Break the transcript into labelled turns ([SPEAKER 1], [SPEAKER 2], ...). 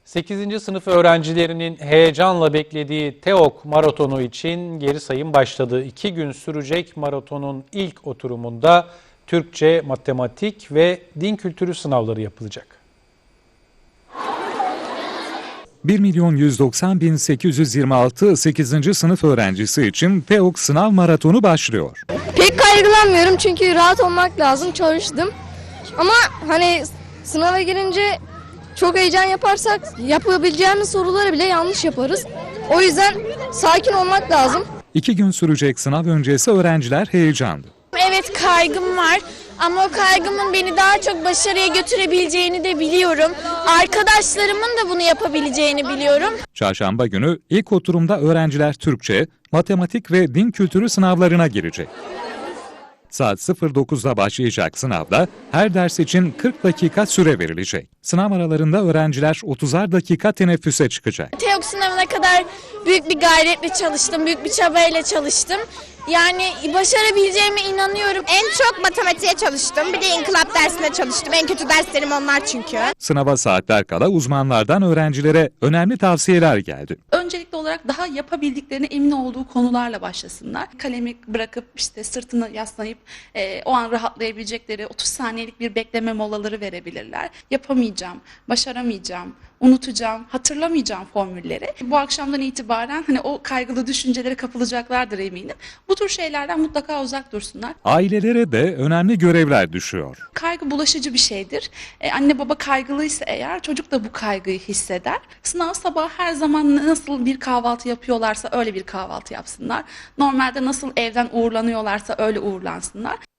[SPEAKER 1] 8. sınıf öğrencilerinin heyecanla beklediği TEOK maratonu için geri sayım başladı. 2 gün sürecek maratonun ilk oturumunda Türkçe, matematik ve din kültürü sınavları yapılacak.
[SPEAKER 2] 1.190.826 8. sınıf öğrencisi için TEOK sınav maratonu başlıyor.
[SPEAKER 3] Pek kaygılanmıyorum çünkü rahat olmak lazım, çalıştım. Ama hani sınava girince çok heyecan yaparsak yapabileceğimiz soruları bile yanlış yaparız. O yüzden sakin olmak lazım.
[SPEAKER 2] 2 gün sürecek sınav öncesi öğrenciler heyecanlı.
[SPEAKER 4] Evet, kaygım var ama o kaygımın beni daha çok başarıya götürebileceğini de biliyorum. Arkadaşlarımın da bunu yapabileceğini biliyorum.
[SPEAKER 2] Çarşamba günü ilk oturumda öğrenciler Türkçe, matematik ve din kültürü sınavlarına girecek. Saat 09'da başlayacak sınavda her ders için 40 dakika süre verilecek. Sınav aralarında öğrenciler 30'ar dakika teneffüse çıkacak.
[SPEAKER 4] TEOK sınavına kadar büyük bir gayretle çalıştım, büyük bir çabayla çalıştım. Yani başarabileceğime inanıyorum.
[SPEAKER 5] En çok matematiğe çalıştım. Bir de inkılap dersine çalıştım. En kötü derslerim onlar çünkü.
[SPEAKER 2] Sınava saatler kala uzmanlardan öğrencilere önemli tavsiyeler geldi.
[SPEAKER 6] Öncelikli olarak daha yapabildiklerine emin olduğu konularla başlasınlar. Kalemi bırakıp işte sırtını yaslayıp o an rahatlayabilecekleri 30 saniyelik bir bekleme molaları verebilirler. Yapamayacağım, başaramayacağım, unutacağım, hatırlamayacağım formülleri. Bu akşamdan itibaren hani o kaygılı düşüncelere kapılacaklardır eminim. Bu tür şeylerden mutlaka uzak dursunlar.
[SPEAKER 2] Ailelere de önemli görevler düşüyor.
[SPEAKER 6] Kaygı bulaşıcı bir şeydir. Anne baba kaygılıysa eğer çocuk da bu kaygıyı hisseder. Sınav sabahı her zaman nasıl bir kahvaltı yapıyorlarsa öyle bir kahvaltı yapsınlar. Normalde nasıl evden uğurlanıyorlarsa öyle uğurlansınlar.